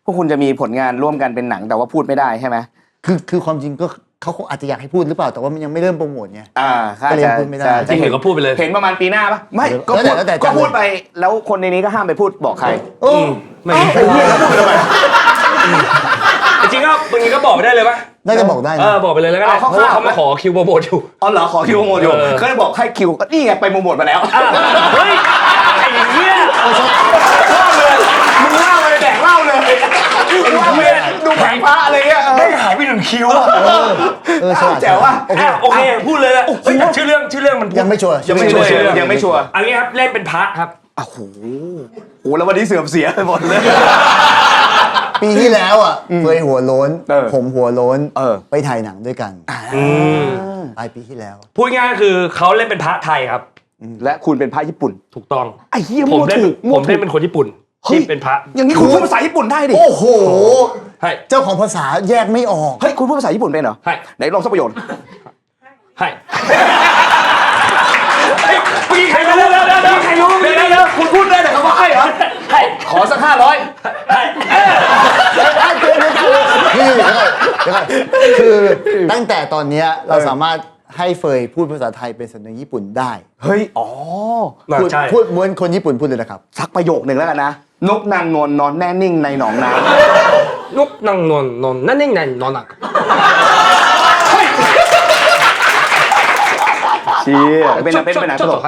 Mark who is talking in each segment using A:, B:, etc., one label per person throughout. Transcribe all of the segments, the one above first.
A: พวกคุณจะมีผลงานร่วมกันเป็นหนังแต่ว่าพูดไม่ได้ใช่ไหม
B: คือความจริงก็เขาคงอาจจะอยากให้พูดหรือเปล่าแต่ว่ามันยังไม่เริ่มโปรโมทไง
A: ก็เลย
B: พูดไม่ได้
C: จริงเห็นก็พูดไปเลย
A: เห็นประมาณปีหน้าปะไม่ก็พูดไปแล้วคนในนี้ก็ห้ามไปพูดบอกใคร
C: ไม่จริงก็บางทีก็บอกได้เลยปะ
B: น่าจะบอกได้
C: บอกไปเลยแล้วก็ได้เพราะว่าเขามาขอคิวโปรโมทอยู่
A: อ๋อเหรอขอคิวโปรโมทอยู่ก็เลยบอกให้คิวก็นี่ไงไปโปรโมทมาแล้ว
C: เฮ้ยไอ้เหี้ย
A: ชอบเลยมึงเล่าเลยแดกเล่าเลยว่าเมียดูแผงพระอะไรเงี้ย
C: ไม่หายไป1 คิว
A: แจ๋วว่ะ
C: โอเคพูดเลยละชื่อเรื่องมัน
B: ยังไม่ชัวร์
A: ยังไม่ชัวร์
C: อันนี้ครับเล่นเป็นพระครับ
A: โอ้โหแล้ววันนี้เสื่อมเสียไปหมดเลย
B: ปีที่แล้วเคยหัวโล้นผมหัวโล้นไปถ่ายหนังด้วยกันปลายปีที่แล้ว
C: พูดง่ายคือเขาเล่นเป็นพระไทยครับ
A: และคุณเป็นพระญี่ปุ่น
C: ถูกต้อง
A: ไอ้เหี้ย
C: ผมเล่นเป็นคนญี่ปุ่นที่เป็นพระ
A: อย่างนี้คุณพูดภาษาญี่ปุ่นได้ดิ
B: โอ้โหเจ้าของภาษาแยกไม่ออก
A: เฮ้ยคุณพูดภาษาญี่ปุ่นเป็นเหรอไหนลองสักประโยค
C: ให้พี่ใครรู้
A: คุณพูดได้แต่คำว่าให้เหรอให้ขอสัก500
B: คือตั้งแต่ตอนนี้เราสามารถให้เฟยพูดภาษาไทยเป็นสำเนียงญี่ปุ่นได้
A: เฮ้ย
B: พูดเหมือนคนญี่ปุ่นพูดเลยนะครับ
A: สักประโยคหนึ่งแล้วกันนะนกนางนวลนอนแน่นิ่งในหนองน้
C: ำนกนางนวลนอนแน่นิ่งในหนองน้ำ
A: เชี่ยเป็นหนังตลก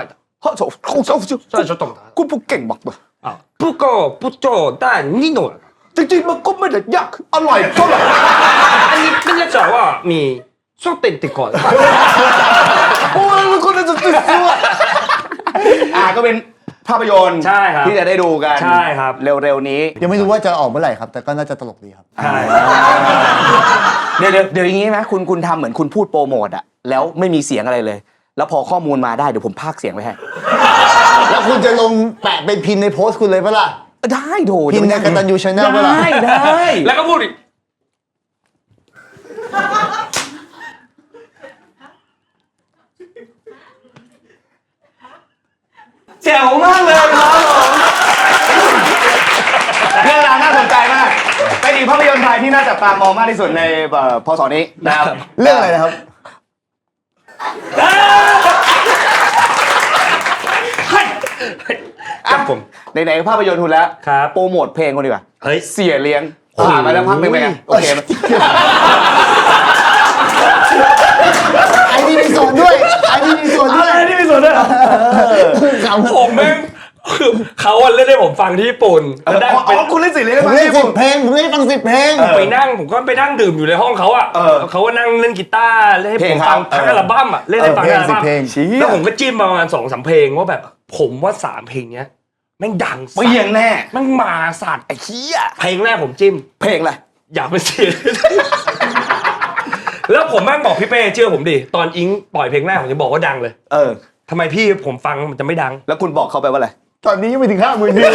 A: กูพูดเก่งมากเลย
C: พูดก็พูดโจได้นิดหน่อย
A: จริงๆมันก็ไม่ได้ยากอร่อยเท่าไหร่
C: อันนี้เป็นเรื่องจากว่ามีชอบเต้นติดก่อน
A: โอ้ยคนจะติดตัวก็เป็นภาพยนตร์ที่จะได้ดูกัน
C: ใช่ครับ
A: เร็วๆนี้
B: ยังไม่รู้ว่าจะออกเมื่อไหร่ครับแต่ก็น่าจะตลกดีครับ
A: ใช่เดี๋ยวอย่างนี้ไหมคุณทำเหมือนคุณพูดโปรโมทแล้วไม่มีเสียงอะไรเลยแล้วพอข้อมูลมาได้เดี๋ยวผมพากย์เสียงไว้ให้
B: แล้วคุณจะลงแปะเป็นพินในโพสต์คุณเลยปะล่ะ
A: ได้โถ
B: พินในกตัญญูชาแนลปะล่ะ
A: ได้
C: แล้วก็พูดอีก
A: แจ๋วมากเลยครับผมเรื่องราวน่าสนใจมากเป็นอีกภาพยนตร์ไทยที่น่าจับตามองมากที่สุดในพศนี้นะครับ
B: เรื่องอะไรนะครับ
C: ครับผม
A: ไหนๆภาพยนตร์คุณแล้วโปรโมทเพลงคนดีกว่า
C: เฮ้ย
A: เสียเลี้ยงผ่านมาแล้วพักนึงไปไงโอเคมั้ย
B: ไอ้นี่มีส่วนด้วย
C: ผมแม่งคือเขาเล่นให้ผมฟังที่ญี่ปุ่น
A: คุณเล่นเสียเลี้ยง
B: ผมเล่น10 เพลงผมเล่นฟัง10 เพลง
C: ผมก็ไปนั่งดื่มอยู่ในห้องเขาเขาก็นั่งเล่นกีตาร์เล่นให้ผมฟังทั้งอัลบั้มเล่นให้ฟังอัลบั้มแล้วผมก็จิ้มประมาณ 2-3 เพลงว่าแบบผมว่า3 เพลงเนี้ยแม่งดัง
A: เปรี้ยงแน่
C: แม่งมาสัตว์
A: ไอ้เหี้ย
C: เพลงแรกผมจิ้ม
A: เพลงอะไร
C: อยากเป็นเสียแล้วผมแม่งบอกพี่เป้เชื่อผมดิตอนอิงปล่อยเพลงแรกผมจะบอกว่าดังเลยทำไมพี่ผมฟังมันจะไม่ดัง
A: แล้วคุณบอกเขาไปว่าอะไร
B: ตอนนี้ยังไม่ถึง50,000วิว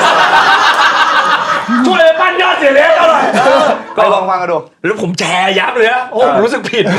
C: ช่วยปั้นยอดเสียเลี้ยงเท่าไหร่
A: ก็ลองฟังกันดู
C: แล้วผมแชร์ยับเลยนะโอ้รู้สึกผิด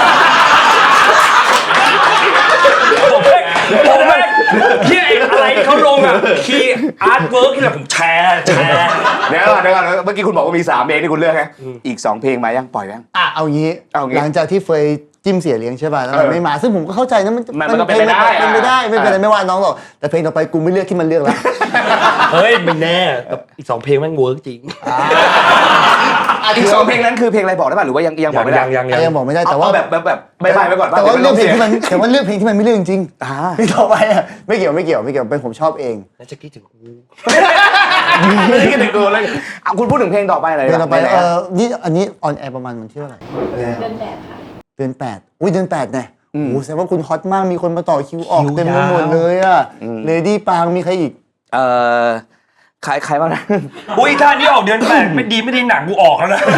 C: ผมแม่ที่อะไรเขาลงคีย์อาร์ตเวิร์กที่ผมแชร์
A: เดี๋ยวก่อนเมื่อกี้คุณบอกว่ามี3 เพลงที่คุณเลือกไงอีก2 เพลงมายังปล่อยยัง
B: เอางี้หลังจากที่เฟยจิ้มเสียเลี้ยงใช่ป่ะแล้วมันไม่มาซึ่งผมก็เข้าใจนะ
A: มันก็เป็นไปได้
B: ไม่เป็นไรไม่ว่าน้องหรอกแต่เพลงต่อไปกูไม่เลือกที่มันเลือกแล้ว
C: เฮ้ยไม่แน่อีก2 เพลงแม่งเวิร์กจริง
A: อีก2 เพลงนั้นคือเพลงอะไรบอกได้ป่ะหรือว่ายังบอกไม่ได้
B: ยังบอกไม่ได้แต่ว่า
A: แบบไม่ไปก่อน
B: แต่ว่าเลือกเพลงที่มันไม่เลือกจริงๆที่ต่อไปไม่เกี่ยวเป็นผมชอบเอง
C: แล้วจะคิดถึงกู
A: ไม่คิดถึงกูเลยคุณพูดถึงเพลงต่อไปอะไร
B: เพลงต่อไปนี่อันนี้ออนแอร์ประมาณมันชื่ออะไร
D: เดือน8ค่ะ
B: เดือน8อุ้ยเดือน8ไงโอ้แสดงว่าคุณฮอตมากมีคนมาต่อคิวออกเต็มไปหมดเลยเลดี้ปางมีใครอีก
A: ใครบ้างนะ
C: อุ้ยถ้านี้ออกเดือน8ไม่ดีหนังกูออกแล้วนะ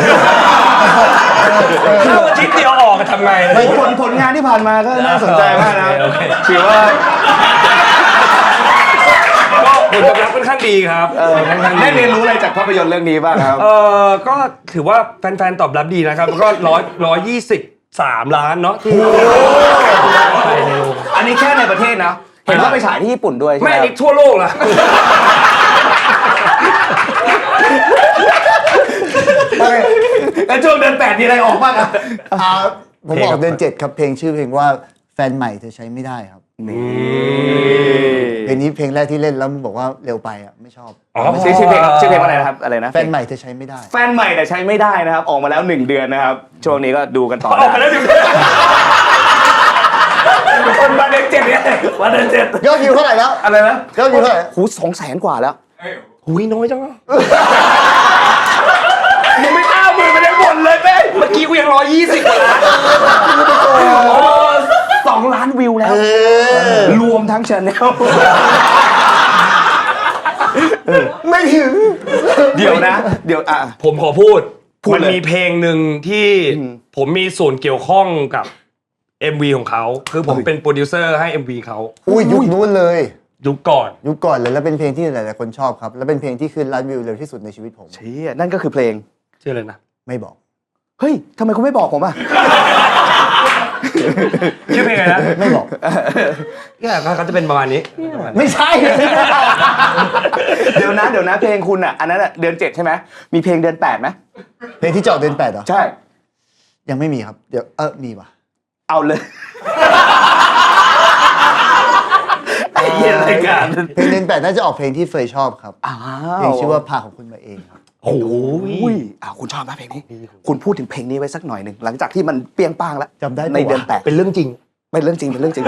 C: ถ้าอาทิตย์เดียวออกทำไง
A: ผลงานที่ผ่านมาก็น่าสนใจมากนะถือว่า
C: ก็ผลตอบรับค่อนข้างดีครับ
A: ได้เรียนรู้อะไรจากภาพยนตร์เรื่องนี้บ้างครับ
C: ก็ถือว่าแฟนๆตอบรับดีนะครับก็123 ล้านเนาะที่
A: อันนี้แค่ในประเทศนะเห็นว่าไปฉายที่ญี่ปุ่นด้วย
C: ไม่อันนี้ทั่วโลกนะ
A: แล้วช่วงเดือน8มีอะไรออกบ้างอะ
B: ผมบอกเดือน7ครับเพลงชื่อเพลงว่าแฟนใหม่เธอใช้ไม่ได้ครับเพลงนี้เพลงแรกที่เล่นแล้วมึงบอกว่าเร็วไปอ่ะไม่ชอบ
A: ชื่อเพลงว่าอะไรนะครับอะไรนะ
B: แฟนใหม่เธอใช้ไม่ได้
A: แฟนใหม่แต่ใช้ไม่ได้นะครับออกมาแล้ว1 เดือนนะครับช่วงนี้ก็ดูกันต่อ
C: ออกมาแล้วดิ
A: คนมาเดือน7เนี่ยมาเดือน7
B: ยอดวิวเท่าไหร่แล้ว
A: อะไรนะ
B: ยอดวิวเท่าไหร่
A: หู200,000 กว่าแล้ว
C: หุยน้อยจังอะ
A: มึงไม่50,000มันยังบ่นเลยเป้
C: เมื่อกี้กูยัง120กว่าล้าน
A: 2 ล้านวิวแล้วรวมทั้งชาแนล
B: ไม่ถึง
A: เดี๋ยวนะเดี๋ยว
C: ผมขอพูด
A: พูด
C: มัน
A: เลย
C: มีเพลงหนึ่งที่ผมมีส่วนเกี่ยวข้องกับ MV ของเขาคือผมเป็นโปรดิวเซอร์ให้ MV เขา
B: อุ้ยยุคนู้นเลย
C: ยุคก่อน
B: ยุคก่อนเลยแล้วเป็นเพลงที่หลายๆคนชอบครับ แล้วเป็นเพลงที่ขึ้นล้านวิวเร็วที่สุดในชีวิตผม
A: เชี่ยนั่นก็คือเพลง
C: ชื่ออะไรนะ
B: ไม่บอก
A: เฮ้ยทำไมคุณไม่บอกผมอ่ะ
C: ชื่อเพลงอะไรนะ
B: ไม่บอก
C: เนี่ยเขาจะเป็นประมาณนี้
B: ไม่ใช่
A: เดี๋ยวนะเพลงคุณอ่ะอันนั้นอ่ะเดือน7ใช่ไหมมีเพลงเดือน8ไหม
B: เพลงที่เจาะเดือน8เหรอ
A: ใช่
B: ยังไม่มีครับเดี๋ยวมีว่ะ
A: เอาเลยไอ้เหี้ยรายการ
B: เพลงเดือน8น่าจะออกเพลงที่เฟยชอบครับเพลงชื่อว่าพาของคุณมาเองครับ
C: โอ้ย
A: คุณชอบไหมเพลงนี้คุณพูดถึงเพลงนี้ไว้สักหน่อยหนึ่งหลังจากที่มันเปรี้ยงป้างแล้ว
B: จำได้ปะวะ
A: ในเดือน8
C: เป็นเรื่องจริง
A: เป็นเรื่องจริงเป็นเรื่องจริง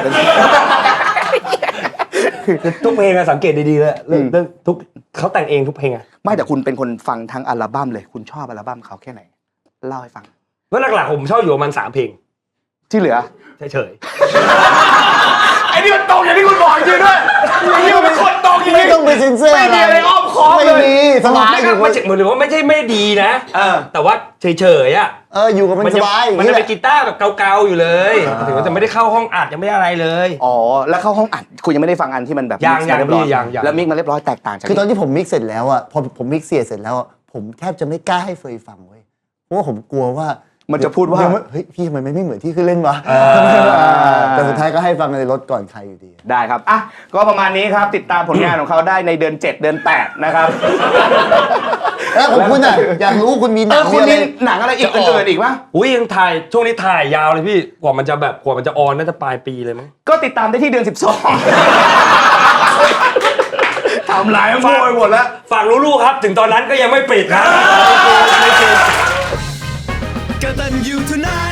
C: ทุกเพลงอะสังเกตดีๆเลยเรื่องทุกเขาแต่งเองทุกเพลงอะ
A: ไม่แต่คุณเป็นคนฟังทั้งอัลบั้มเลยคุณชอบอัลบั้มเขาแค่ไหนเล่าให้ฟัง
C: แล้วหลักๆผมชอบอยู่ประมาณ3 เพลง
A: ที่เหลือ
C: เฉย
A: ไอ้นี่มันตรงอย่างที่คุณบอกจริงด้วยไอ้นี่มันเป็นคนตรงจริง
B: ไม่ต้องไปเซ็นเซอร์
A: ไม่มีอะไรอ้อมค้อมเลย
B: ไม่มีสบาย
C: ไม่
B: อยู่
C: ใช่เหมือนว่าไม่ใช่ไม่ดีนะ แต่ว่าเฉยๆอะ
B: อยู่กับมันสบาย
C: มันจะเป็นกีตาร์แบบเกาๆอยู่เลยถึงว่าจะไม่ได้เข้าห้องอัดยังไม่ได้อะไรเลย
A: อ๋อแล้วเข้าห้องอัดคุณยังไม่ได้ฟังอันที่มันแบบ
C: ยัง
A: mix มาเรีบร้อ
C: ยัง
A: แล้วมิกมาเรียบร้อยแตกต่างจาก
B: คือตอนที่ผมมิกซ์เสร็จแล้วอ่ะพอผมมิกซ์เสร็จแล้วผมแทบจะไม่กล้าให้เฟยฟังเว้ยเพราะว่าผมกลัวว่า
A: มันจะพูดว่า
B: เฮ้ยพี่ทำไมไม่เหมือนที่ขึ้นเล่นวะแต่สุดท้ายก็ให้ฟังในรถก่อนใครอยู่ดี
A: ได้ครับอ่ะก็ประมาณนี้ครับติดตามผลงานของเขาได้ในเดือน7 เดือน8นะครับ
B: แล้วของคุณอ่ะอยากรู้คุณมีหนัง
A: คุณ
B: มี
A: มีหนังอะไรอีกอื่นๆอีกปะ
C: อุ้ยยังถ่ายช่วงนี้ถ่ายยาวเลยพี่กว่ามันจะออนน่าจะปลายปีเลยมั้ง
A: ก็ติดตามได้ที่เดือน12ทำลายมันโวยหมดแล้ว
C: ฝากลูกๆครับ ถึงตอนนั้นก็ยังไม่ปิดนะ
D: กตัญญูทูไน